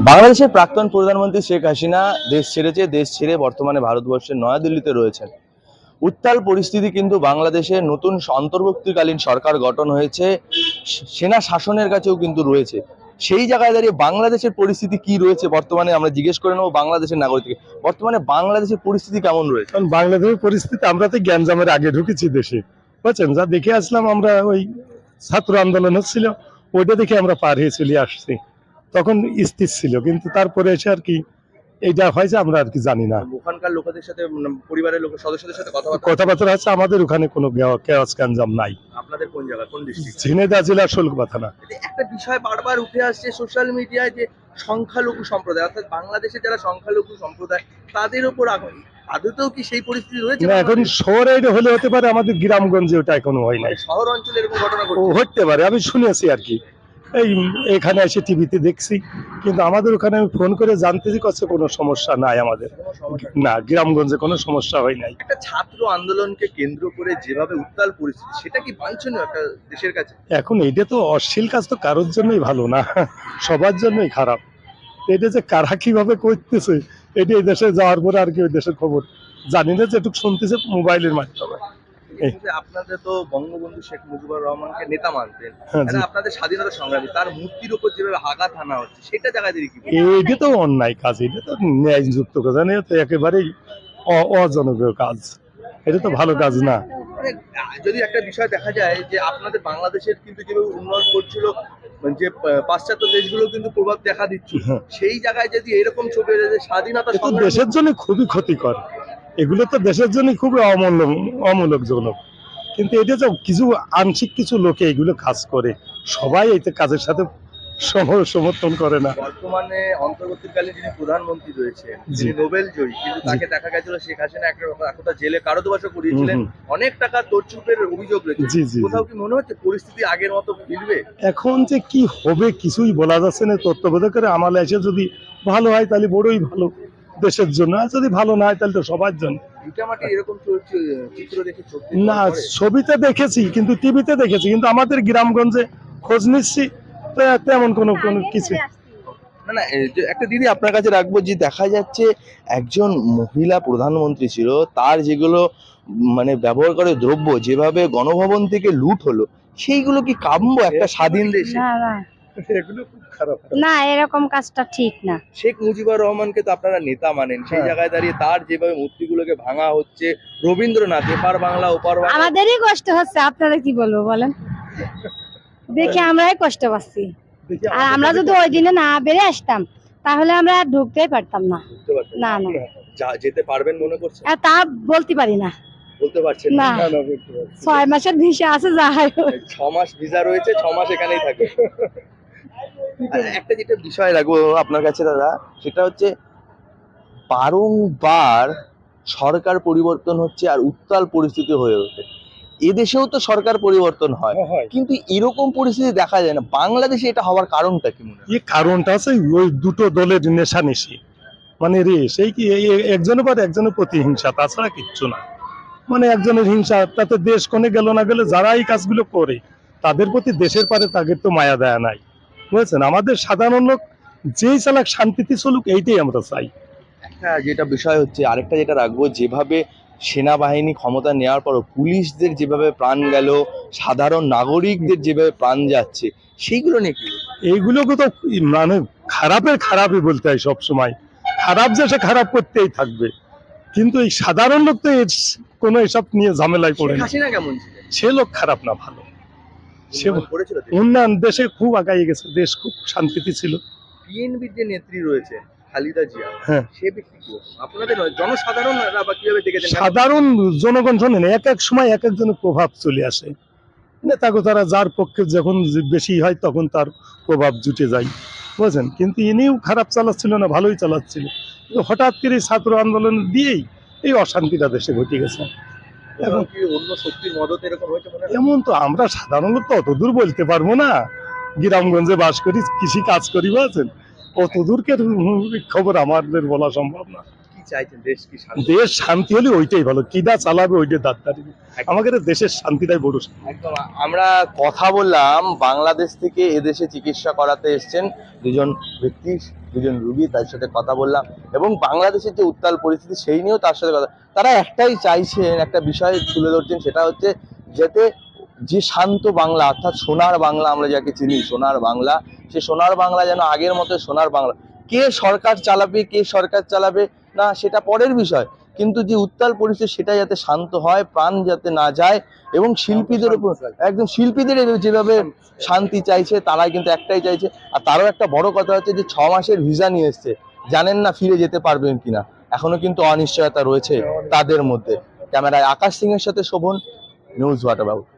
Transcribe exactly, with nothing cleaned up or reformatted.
বাংলাদেশের প্রাক্তন প্রধানমন্ত্রী শেখ হাসিনা দেশ ছেড়েছে। দেশ ছেড়ে বর্তমানে ভারতবর্ষের নয়াদিল্লিতে রয়েছেন। উত্তাল পরিস্থিতি কিন্তু বাংলাদেশে নতুন অন্তর্বর্তীকালীন সরকার গঠন হয়েছে, সেনা শাসনের কাছেও কিন্তু রয়েছে। সেই জায়গায় দাঁড়িয়ে বাংলাদেশের পরিস্থিতি কি রয়েছে বর্তমানে আমরা জিজ্ঞেস করে নেবো বাংলাদেশের নাগরিককে। বর্তমানে বাংলাদেশের পরিস্থিতি কেমন রয়েছে? কারণ বাংলাদেশের পরিস্থিতি, আমরা তো গ্যাঞ্জামের আগে ঢুকেছি দেশে, বুঝছেন, যা দেখে আসলাম আমরা, ওই ছাত্র আন্দোলন হচ্ছিল, ওইটা দেখে আমরা পার হয়ে চলে আসছি। তখন স্থির ছিল, কিন্তু তারপরে এসে আর কি এইটা হয়েছে আমরা আর কি জানি না। ওখানকার লোকেদের সাথে, পরিবারের লোক সদস্যদের সাথে কথাবার্তা কথাবার্তা হচ্ছে, আমাদের ওখানে কোনো কেওয়াজ গ্যাঞ্জাম নাই। আপনাদের কোন জায়গা, কোন ডিস্ট্রিক্ট? ঝিনাইদহ জেলার শোলকোপা থানা। একটা বিষয় বারবার উঠে আসছে সোশ্যাল মিডিয়ায়, যে সংখ্যালঘু সম্প্রদায়, অর্থাৎ বাংলাদেশে যারা সংখ্যালঘু সম্প্রদায় তাদের উপর আদতেও কি সেই পরিস্থিতি রয়েছে? না, এখন শহরে এটা হলে হতে পারে, আমাদের গ্রামগঞ্জে ওটা এখনো হয় নাই। শহর অঞ্চলে এরকম ঘটনা ও হতে পারে, আমি শুনেছি আর কি, এই এখানে এসে টিভিতে দেখছি, কিন্তু আমাদের ওখানে আমি ফোন করে জানতেছি কাছে কোনো সমস্যা নাই আমাদের, না গ্রামগঞ্জে কোনো সমস্যা হয় নাই। একটা ছাত্র আন্দোলনকে কেন্দ্র করে যেভাবে উত্তাল পরিস্থিতি, সেটা কি বাঞ্ছনীয় একটা দেশের কাছে? এখন এটা তো অশ্লীল কাজ, তো কারোর জন্যই ভালো না, সবার জন্যই খারাপ। এটা যে কারা কিভাবে করতেছে, এটা এই দেশে যাওয়ার পরে আর কি ওই দেশের খবর জানি না, যেটুকু শুনতেছে মোবাইলের মাধ্যমে। আপনাদের তো বঙ্গবন্ধু শেখ মুজিবুর রহমানকে নেতা মানতেন, হ্যাঁ, আপনাদের স্বাধীনতা সংগ্রামী, তার মূর্তির উপর যেভাবে আঘাত হানা হচ্ছে, সেটা জায়গায় দিয়ে কি? এটা তো অন্যায় কাজ, এটা তো ন্যায়যুক্ত কাজ না, তো একেবারেই অজনপ্রিয় কাজ, এটা তো ভালো কাজ না। যদি একটা বিষয় দেখা যায় যে আপনাদের বাংলাদেশের কিন্তু যেভাবে উন্নয়ন করছিল, যে পাশ্চাত্য দেশগুলো কিন্তু প্রভাব দেখা দিচ্ছে, সেই জায়গায় যদি এরকম ছবি স্বাধীনতা দেশের জন্য খুবই ক্ষতিকর, এগুলো তো দেশের জন্য খুবই অমূল্য অমূলকজনক। কিন্তু এটা যে কিছু আংশিক কিছু লোকে এগুলো কাজ করে, সবাই এই কাজের সাথে সমর্থন করে না। বর্তমানে অন্তর্বর্তীকালীন যিনি প্রধানমন্ত্রী রয়েছে, যিনি নোবেল জয়ী, কিন্তু তাকে দেখা গেছিল শেখ হাসিনা একটা জেলে কারাদবাসও করিয়েছিলেন, অনেক টাকা তোরচুপের অভিযোগ রয়েছে। কোথাও কি মনে হচ্ছে পরিস্থিতি আগের মতো ফিরবে? এখন যে কি হবে কিছুই বলা যাচ্ছে না। তত্ত্বাবধায়কের আমলে এসে যদি ভালো হয় তাহলে বড়ই ভালো দেশের জন্য, আর যদি ভালো না হয় তাহলে তো সবার জন্য। না, ছবিতে দেখেছি, কিন্তু টিভিতে দেখেছি, কিন্তু আমাদের গ্রামগঞ্জে খোঁজ নিচ্ছি তেমন কোনো কোনো কিছু না। না, একটা দিদি আপনার কাছে রাখবো, যে দেখা যাচ্ছে একজন মহিলা প্রধানমন্ত্রী ছিল, তার যেগুলো মানে ব্যবহার করে দ্রব্য যেভাবে গণভবন থেকে লুট হলো, সেইগুলো কি কাম্য একটা স্বাধীন দেশে? এগুলো খুব খারাপ না, এরকম কাজটা ঠিক না। শেখ মুজিবুর রহমানকে তো আপনারা নেতা মানেন, সেই জায়গায় দাঁড়িয়ে তার যেভাবে মূর্তিগুলোকে ভাঙা হচ্ছে, রবীন্দ্রনাথ এপার বাংলা ওপার বাংলা, আমাদেরই কষ্ট হচ্ছে, আপনারা কি বলবো বলেন, দেখে আমরাই কষ্ট পাচ্ছি। আর আমরা যদি ওই দিনে না বেড়ে আসতাম তাহলে আমরা ঢুকতেই পারতাম না। না না, যেতে পারবেন মনে করছেন? তা বলতে পারি না, বলতে পারছেন না। ছয় মাসের ভিসা আছে, যা হয় ছ মাস ভিসা রয়েছে, ছ মাস এখানেই থাকবে। একটা যেটা বিষয় রাখবো আপনার কাছে দাদা, সেটা হচ্ছে বারংবার সরকার পরিবর্তন হচ্ছে আর উত্তাল পরিস্থিতি হয়ে ওঠে। এদেশেও তো সরকার পরিবর্তন হয়, কিন্তু এরকম পরিস্থিতি দেখা যায় না। বাংলাদেশে এটা হওয়ার কারণটা কি মনে হয়? এই কারণটা আছে ওই দুটো দলের নেশানেশি, মানে রে সেই কি একজনের পর একজনের প্রতি হিংসা, তাছাড়া কিচ্ছু না। মানে একজনের হিংসা, তাতে দেশ কোনে গেল না গেলে যারা এই কাজগুলো করে তাদের প্রতি দেশের পারে তাদের তো মায়া দেয়া নাই, বুঝেছেন। আমাদের সাধারণ লোক যেই চালাক শান্তিতে চলুক, এইটাই আমরা চাই। একটা যেটা বিষয় হচ্ছে, আরেকটা যেটা রাখবো, যেভাবে সেনাবাহিনী ক্ষমতা নেওয়ার পরও পুলিশদের যেভাবে প্রাণ গেল, সাধারণ নাগরিকদের যেভাবে প্রাণ যাচ্ছে, সেইগুলো নিয়ে কি? এইগুলোকে তো মানে খারাপের খারাপই বলতে হয় সবসময়, খারাপ যে সে খারাপ করতেই থাকবে, কিন্তু এই সাধারণ লোক তো কোনো এসব নিয়ে ঝামেলায় পড়ে না। সে লোক খারাপ না, ভালো, সে উন্নয়ন দেশে খুব আগাই গেছে, দেশ খুব শান্তিতে ছিল। বিএনপির যে নেত্রী রয়েছে খালেদা জিয়া, হ্যাঁ, সে ব্যক্তি কি আপনাদের জনসাধারণরা বা কিভাবে দেখেছেন? সাধারণ জনগণ শোনেন, এক এক সময় এক একজনের প্রভাব চলে আসে, নেতাকে তারা যার পক্ষে যখন বেশি হয় তখন তার প্রভাব জুটে যায়, বুঝছেন। কিন্তু ইনিও খারাপ চালাচ্ছিল না, ভালোই চালাচ্ছিল, হঠাৎ করে ছাত্র আন্দোলন দিয়েই এই অশান্তিটা দেশে ঘটে গেছে। এখন কি অন্য শক্তির মদত এরকম হয়েছে? এমন তো আমরা সাধারণ লোক তো অত দূর বলতে পারবো না, গ্রামগঞ্জে বাস করি, কৃষি কাজ করি, বুঝছেন, অত দূরকে খবর আমাদের বলা সম্ভব না। কি চাইছেন? দেশ কি শান্তি? দেশ শান্তি হলে ওইটাই ভালো, কিদা চালাবে ওইটা দাঁড়। আমাদের দেশের শান্তিটাই বড়। একদম। আমরা কথা বললাম বাংলাদেশ থেকে এদেশে চিকিৎসা করাতে এসেছেন দুজন ব্যক্তি, দুজন রুগী, তার সাথে কথা বললাম এবং বাংলাদেশের যে উত্তাল পরিস্থিতি সেই নিয়েও তার সাথে কথা। তারা একটাই চাইছেন, একটা বিষয় তুলে ধরছেন, সেটা হচ্ছে যাতে যে শান্ত বাংলা অর্থাৎ সোনার বাংলা, আমরা যাকে চিনি সোনার বাংলা, সে সোনার বাংলা যেন আগের মতো সোনার বাংলা। কে সরকার চালাবে, কে সরকার চালাবে না সেটা পরের বিষয়, কিন্তু যে উত্তাল পরিস্থিতি সেটা যাতে শান্ত হয়, প্রাণ যাতে না যায় এবং শিল্পীদের উপর একদম শিল্পীদের যেভাবে শান্তি চাইছে তারা কিন্তু একটাই চাইছে। আর তারও একটা বড় কথা হচ্ছে যে ছ মাসের ভিসা নিয়ে এসছে, জানেন না ফিরে যেতে পারবেন কিনা, এখনো কিন্তু অনিশ্চয়তা রয়েছে তাদের মধ্যে। ক্যামেরায় আকাশ সিং এর সাথে শোভন, নিউজ ওয়াটার বাবু।